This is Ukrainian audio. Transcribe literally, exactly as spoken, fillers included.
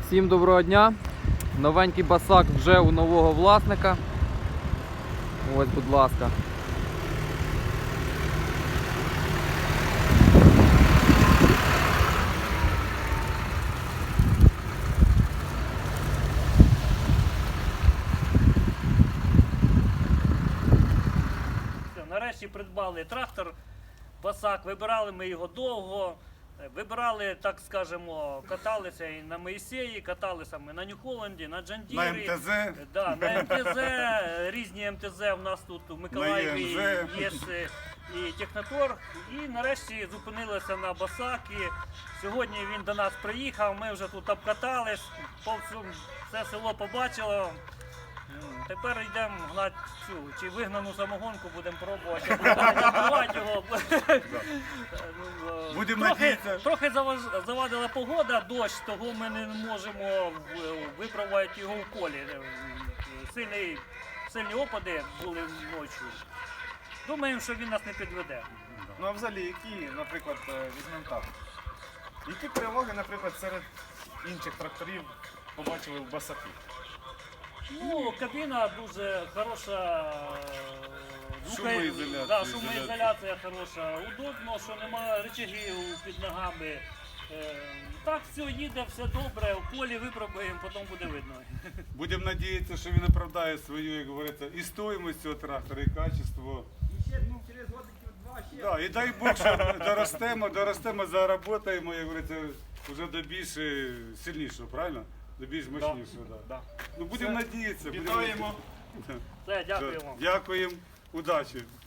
Всім доброго дня! Новенький басак вже у нового власника. Ось, будь ласка. Нарешті придбали трактор Басак, вибирали ми його довго, вибирали, так скажемо, каталися і на Моїсеї, каталися ми на Нью-Холланді, на Джандірі, На МТЗ. да, на МТЗ, різні МТЗ у нас тут у Миколаєві є і Техноторг. І нарешті зупинилися на Басакі. Сьогодні він до нас приїхав, ми вже тут обкатались, по всьому все село побачило. Тепер йдемо гнати цю, чи вигнану самогонку, будемо пробувати, будемо його. Будемо Трохи, надіятися. трохи заваж- завадила погода, дощ, того ми не можемо в- випробувати його в полі. Сильні, сильні опади були ночі. Думаємо, що він нас не підведе. Ну а взагалі, які, наприклад, е, візьмемо так, які переваги, наприклад, серед інших тракторів побачили в Басакі? Ну, кабіна дуже хороша. звука- Шумоізоляція, Да, шумоізоляція хороша. Удобно, що немає рычагів під ногами. Е, Так, все їде, все добре, в полі випробуємо, потім буде видно. Будемо надіятися, що він оправдає свою, як говориться, і стоїмость цього трактора, і качество. Да, і дай Бог, що доростемо, доростемо, заработаємо, як говориться, вже до більш е, сильнішого, правильно? До більш мощнішого. Да. Да. Ну будемо надіятися. будемо Вітаємо! надіятися. Все, дякуємо. Дякуємо, удачі.